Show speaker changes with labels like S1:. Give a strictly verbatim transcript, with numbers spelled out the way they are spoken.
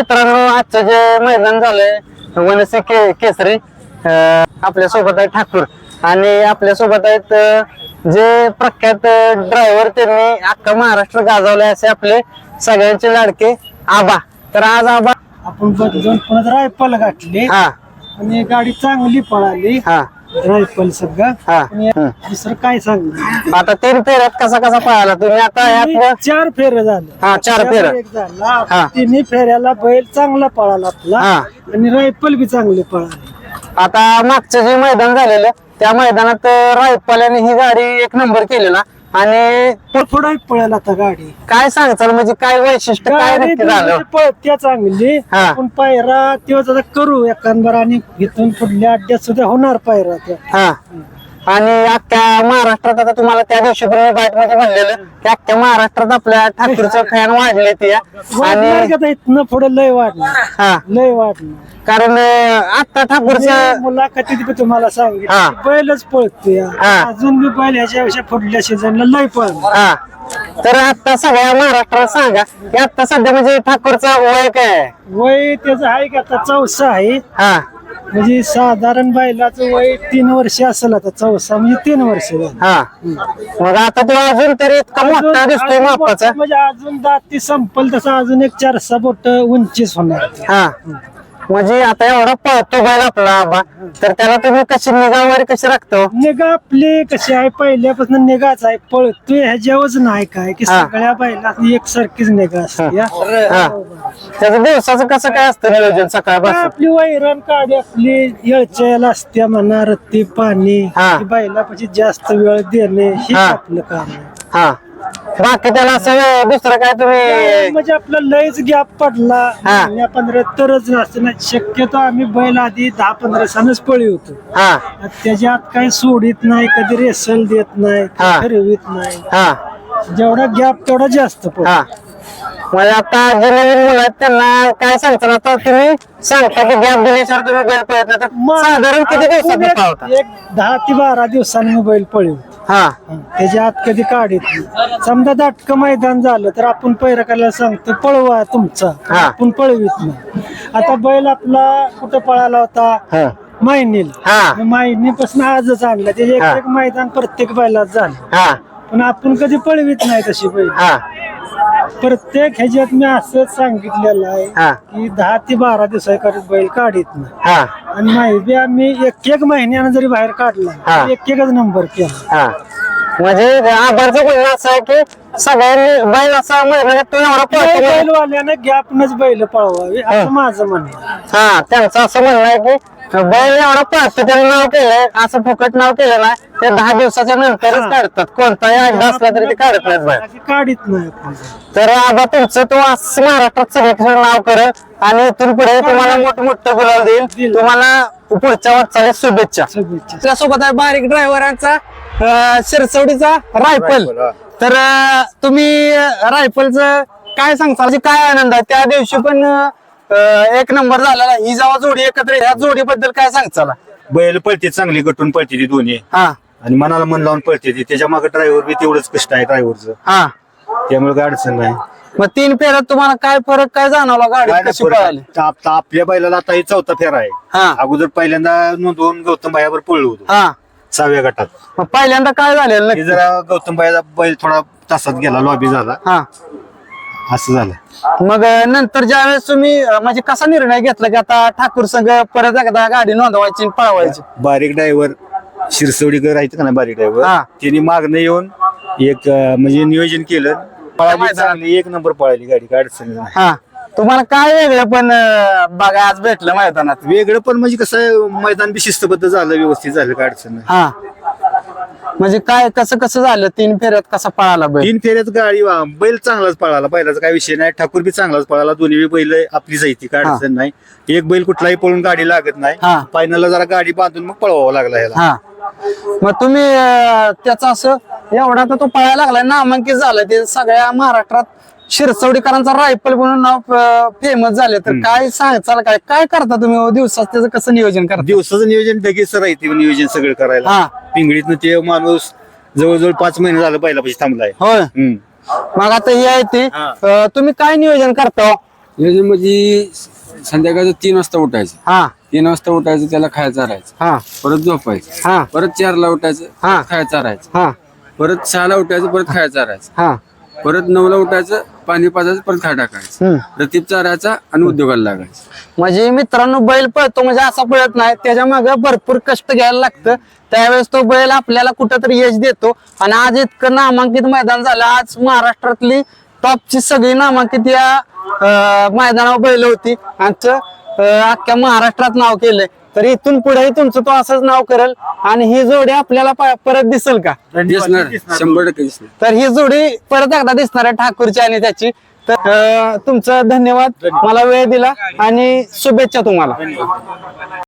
S1: मित्रांनो, आजचं जे मैदान झालंय वनसे के केसरी आपल्या सोबत आहे ठाकूर आणि आपल्या सोबत आहेत जे प्रख्यात ड्रायव्हर, त्यांनी अख्खा महाराष्ट्र गाजवलाय असे आपले सगळ्यांचे लाडके आबा. तर आज आबा
S2: आपण बदलून पुन्हा रायफल गाठले
S1: हा
S2: आणि गाडी चांगली पळाली.
S1: हा
S2: रायफल सगळं
S1: हा
S2: आणि दुसरं काय सांग.
S1: आता तीन फेऱ्यात कसा कसा पळाला तुम्ही? आता यात
S2: चार फेर झालं.
S1: हा चार फेऱ्या
S2: एक झाला.
S1: हा.
S2: तिन्ही फेऱ्याला बैल चांगला पळाला आपला
S1: हा.
S2: आणि रायफल बी चांगली पळाली.
S1: आता मागचं जे मैदान झालेलं त्या मैदानात रायफल्याने ही गाडी एक नंबर केलेला आणि
S2: पुढे पळायला आता गाडी.
S1: काय सांगताल म्हणजे काय वैशिष्ट्य काय
S2: गाडी
S1: नक्की झालं?
S2: दोन्ही पळत्या चांगली.
S1: हा.
S2: आपण पायरा तेव्हा आता करू एखादबार आणि इथून पुढल्या अड्ड्यात सुद्धा होणार पायरा त्या.
S1: हा आणि अख्ख्या महाराष्ट्रात आता तुम्हाला त्या दिवशी पण बाईट मध्ये म्हणलेलं की अख्ख्या महाराष्ट्रात आपल्या ठाकूरचं फॅन वाढले ते आणि
S2: इथनं पुढे लय वाढणार.
S1: हा
S2: लय वाढणार
S1: कारण आता ठाकूरचं
S2: मुलाखतीत बी तुम्हाला
S1: हा.
S2: सांगितलं बैलच पळतोय.
S1: हा.
S2: अजून बी बैल ह्याच्यापेक्षा पुढल्या सीझनला लय पळणार.
S1: हा तर आता सगळ्या महाराष्ट्राला सांगा की आता सध्या म्हणजे ठाकूरचा वय काय आहे?
S2: वय त्याचं आहे का आता चौसा आहे.
S1: हा
S2: म्हणजे साधारण बैलाचं वय तीन वर्ष असेल. आता चौसा म्हणजे तीन वर्ष झालं.
S1: हा मग आता तो अजून तरी इतका मोठा दिसतोय
S2: अजून
S1: मापाचा.
S2: म्हणजे अजून दाती संपल तसं अजून एक चार सहा बोट उंचीच होणार.
S1: हा म्हणजे आता एवढा पळतो बैल आपला आबा, तर त्याला तुम्ही कशी निगा वगैरे कशी राखतो?
S2: निगा आपली कशी आहे पहिल्यापासून निगाच आहे. पळतोय ह्याच्यावरच नाही काय की
S1: हा.
S2: सगळ्या बैला एक सारखीच निगा असते.
S1: हा त्याचं दिवसाचं कसं काय असतं नियोजन सकाळपासून?
S2: आपली वैरण काढी आपली येळच्याला असते म्हणा. रत्ती पाणी
S1: हा.
S2: बैलापाशी जास्त वेळ देणे हे
S1: हा.
S2: आपलं काम आहे.
S1: हा बाकी त्याला असं दुसरं काय तुम्ही?
S2: म्हणजे आपला लयच गॅप पडला
S1: हा.
S2: महिन्या पंधरा तरच नसतं ना. शक्यतो आम्ही बैल आधी दहा पंधरा सणच पळी होतो.
S1: हा
S2: त्याच्यात काही सोडित नाही, कधी रेसल देत नाही,
S1: हा.
S2: फिरवित नाही.
S1: हा
S2: जेवढा गॅप तेवढा जास्त पडतो.
S1: हा म्हणजे आता जे नवीन मुलं आहेत त्यांना काय सांगता? आता तुम्ही सांगता की गॅप दिल्याशिवाय तुम्ही बैल पळत नाही, तर साधारण किती दिवसात
S2: एक
S1: पळवता?
S2: एक दहा ते बारा दिवसांनी मी बैल पळी
S1: हा
S2: त्याच्या आत कधी काढत नाही. समजा दाटकं मैदान झालं तर आपण पैरकाला सांगतो पळवा तुमचा,
S1: हा.
S2: आपण पळवीत नाही. आता बैल आपला कुठं पळाला होता?
S1: हा
S2: मायनील.
S1: हा
S2: मायनीपासून आजच आणला. त्याचे एक
S1: हा.
S2: एक मैदान प्रत्येक बैलात झालं.
S1: हा
S2: पण आपण कधी पळवीत नाही तशी बैल.
S1: हा
S2: प्रत्येक ह्याच्यात मी असंच सांगितलेलं आहे
S1: हा
S2: की दहा ते बारा दिवसाकडे बैल काढीत नाही.
S1: हा
S2: आणि माहिती आम्ही एक एक महिन्यानं जरी बाहेर काढला
S1: हा.
S2: तर एक एकच नंबर केला.
S1: हा म्हणजे आभारचं म्हणणं असं आहे की सगळ्यांनी बैल असा महिन्यात तो एवढा पळतो.
S2: बैलवाल्याने गॅपनच बैल पळवावे असं माझं म्हणणं आहे.
S1: हा त्यांचं असं म्हणणं आहे की बैल एवढा पळतो त्याने नाव केलंय, असं फुकट नाव केलं नाही. ते दहा दिवसाच्या नंतरच काढतात. कोणताही अड्डा असला तरी ते काढत नाहीत बैल.
S2: बाकी काढीत नाही आपण.
S1: तर आबा तुमचं तो असं महाराष्ट्रात सगळीकडे नाव कर आणि इथून पुढे तुम्हाला मोठमोठं गुलाल देईल. तुम्हाला पुढच्या वाटचालीस शुभेच्छा.
S2: शुभेच्छा.
S1: त्यासोबत आहे बारीक ड्रायव्हरांचा शिरसवडीचा रायफल. तर अं, तुम्ही रायफलचं काय सांगता? म्हणजे काय आनंद आहे? त्या दिवशी पण अं, एक नंबर झालेला. ही जेव्हा जोडी एकत्र या जोडीबद्दल काय सांगताल?
S3: बैल पळते चांगली, गटून पळते ती दोन्ही
S1: हा
S3: आणि मनाला मन लावून पळते ती. त्याच्या मागे ड्रायव्हर बी तेवढंच कष्ट आहे ड्रायव्हरचं,
S1: हा
S3: त्यामुळे काय अडचण नाही.
S1: मग तीन फेऱ्यात तुम्हाला काय फरक काय जाणवला? गाडी
S3: काय
S1: कशी
S3: नाही
S1: पळाली?
S3: फरक. आप- आपल्या बैलाला आता ही चौथा फेरा आहे.
S1: हा
S3: अगोदर पहिल्यांदा नोंदवून गौतम भायावर पळलो होतो
S1: हा
S3: सहाव्या गटात.
S1: मग पहिल्यांदा काय झालेलं
S3: हे
S1: नक्की?
S3: जरा गौतम भायाचा बैल थोडा तासात गेला, लॉबी झाला,
S1: हा
S3: असं झालं.
S1: मग नंतर ज्यावेळेस तुम्ही अं, म्हणजे कसा निर्णय घेतला की आता ठाकूर संघ परत एकदा गाडी नोंदवायची आणि पळवायची?
S3: बारीक ड्रायव्हर शिरसवडीकर आहेत का ना, बारीक
S1: हा.
S3: ड्रायव्हर, त्यांनी मागणं येऊन एक अं, म्हणजे नियोजन केलं. पळाली चांगली, एक नंबर पळाली गाडी, काय अडचण नाही.
S1: हा तुम्हाला काय वेगळं पण अं, बघा आज भेटलं मैदानात?
S3: वेगळं पण म्हणजे कसं आहे, मैदान बी शिस्तबद्ध झालं, व्यवस्थित झालं, काय अडचण नाही.
S1: हा म्हणजे काय कसं कसं झालं? तीन फेऱ्यात कसा पळाला बैल?
S3: तीन फेऱ्यात गाडी वा- बैल चांगलाच पळाला, बैलाचा काय विषय नाही. ठाकूर बी चांगलाच पळाला, दोन्ही बी बैल आपली जायची, काय
S1: हा.
S3: अडचण नाही. एक बैल कुठलाही पळून गाडी लागत नाही.
S1: हा.
S3: फायनलला जरा गाडी बांधून मग पळवावं लागला याला.
S1: हा मग तुम्ही अं, त्याचं असं एवढा तर तो पळायला लागलाय, नामांकित झालाय. ते सगळ्या महाराष्ट्रात शिरसवडीकरांचा रायफल म्हणून नाव फेमस झाले. तर काय सांगाल? काय काय करता तुम्ही दिवसात? त्याचं कसं नियोजन करता?
S3: दिवसाचं नियोजन लगेच राहते, नियोजन सगळं करायला.
S1: हा.
S3: पिंगळीतनं ते माणूस जवळजवळ पाच महिने झालं बैलापाशी थांबलाय.
S1: होय
S3: हम्म.
S1: मग आता ही आहे ती
S3: हा.
S1: अं, तुम्ही काय नियोजन करता?
S4: नियोजन म्हणजे संध्याकाळचं तीन वाजता उठायचं,
S1: हा
S4: तीन वाजता उठायचं, त्याला खायचं राहायचं,
S1: हा
S4: परत झोपायचं,
S1: हा
S4: परत चारला उठायचं,
S1: हा.
S4: परत खायचं राहायचं,
S1: हा
S4: परत सहाला उठायचं, परत खायचं राहायचं,
S1: हा
S4: परत नऊला उठायचं, पाणी पाजायचं, परत खाय टाकायचं,
S1: हम्म.
S4: रतीब चारायचा आणि उद्योगाला लागायचं.
S1: म्हणजे मित्रांनो बैल पळतो म्हणजे असा पळत नाही, त्याच्या मागे भरपूर कष्ट घ्यायला लागतं. त्यावेळेस तो बैल आपल्याला कुठंतरी यश देतो. आणि आज इतकं नामांकित मैदान झालं. आज महाराष्ट्रातली टॉपची सगळी नामांकित या अं, मैदानावर बैल होती आणि ते, अं, अख्ख्या महाराष्ट्रात नाव केलंय. तर इथून पुढेही तुमचं तो असंच नाव करेल आणि ही जोडी आपल्याला प- परत दिसेल का?
S4: दिसणार, शंभर टक्के दिसणार.
S1: तर ही जोडी परत एकदा दिसणार आहे ठाकूरची आणि त्याची. तर अं, तुमचं धन्यवाद, मला वेळ दिला आणि शुभेच्छा तुम्हाला.